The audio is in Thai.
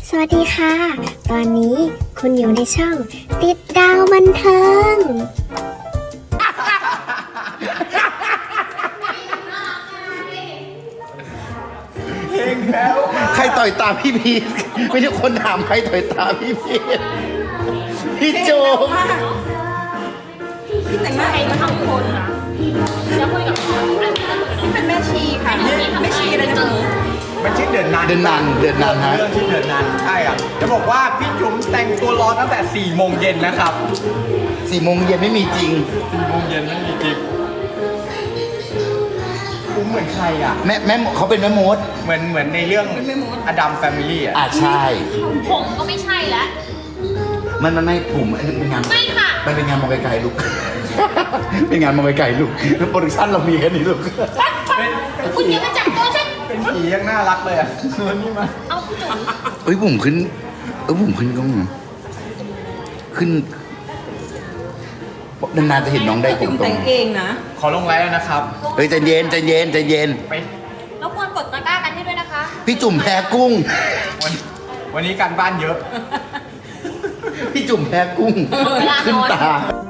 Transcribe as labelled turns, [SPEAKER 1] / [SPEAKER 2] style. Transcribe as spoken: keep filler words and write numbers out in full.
[SPEAKER 1] สวัสดีค่ะ ตอนนี้คุณอยู่ในช่องติดดาวบันเทิง
[SPEAKER 2] ใครต่อยตาพี่พีทไม่ใช่คนถามใครต่อยตาพี่พีทพี่โจม
[SPEAKER 3] แต่งหน้าเองมาทำคนนะแล้วคุยกับเขานี่เป็นแม่ชีค่ะแม่ชีอะไรนะหนู
[SPEAKER 4] มันชื่อเดินนัน
[SPEAKER 2] เดินนานเดินนานฮะ
[SPEAKER 4] เรื่องชื่อเดินนันใช่ครับจะบอกว่าพี่จุ๋มแต่งตัวรอตั้งแต่สี่โมงเย็นนะครับ
[SPEAKER 2] สี่โมงเย็นไม่มีจริง
[SPEAKER 4] สี่โมงเย็นไม่มีจริงอุ้มเหมือนใครอ่ะ
[SPEAKER 2] แม่แม่เขาเป็นแม่มด
[SPEAKER 4] เหมือนเหมือนในเรื่องอดัมแฟมิลี่อ่ะ
[SPEAKER 2] อ่าใช่
[SPEAKER 5] ผมก็ไม่ใช่แล้ว
[SPEAKER 2] มันมันไม่ผมอันนี้เป็นงาน
[SPEAKER 5] ไม่ค่ะ
[SPEAKER 2] มันเป็นงานมองไกลๆลูก เป็นงานมองไกลๆลูกโปรดักชั่นเรามีแค่นี้ลูก
[SPEAKER 5] คุณยังมาจับตัวฉัน
[SPEAKER 4] เป็นผียังน่ารักเลยอ่ะนี่มา
[SPEAKER 5] เอาคุณจุ๋ม
[SPEAKER 2] เอ้ยผมขึ้นเออผมขึ้นกล้องเหรอขึ้นนานๆจะเห็นน้องได้ผม
[SPEAKER 3] จุ๋ม
[SPEAKER 2] ตร
[SPEAKER 3] แต่
[SPEAKER 2] ง
[SPEAKER 3] งเองนะ
[SPEAKER 4] ขอลงไลน์แล้วนะครับ
[SPEAKER 2] เฮ้ยใจเย็นใจเย็นใจเย็น
[SPEAKER 4] ไป
[SPEAKER 5] รบกวนกดตะกร้ากันให้ด้วยนะคะ
[SPEAKER 2] พี่จุ่มแพ้กุ้ง
[SPEAKER 4] วันวันนี้การบ้านเยอะ
[SPEAKER 2] พี่จุ่มแพ้กุ้ง
[SPEAKER 5] เวลานอน
[SPEAKER 2] ขึ้นตา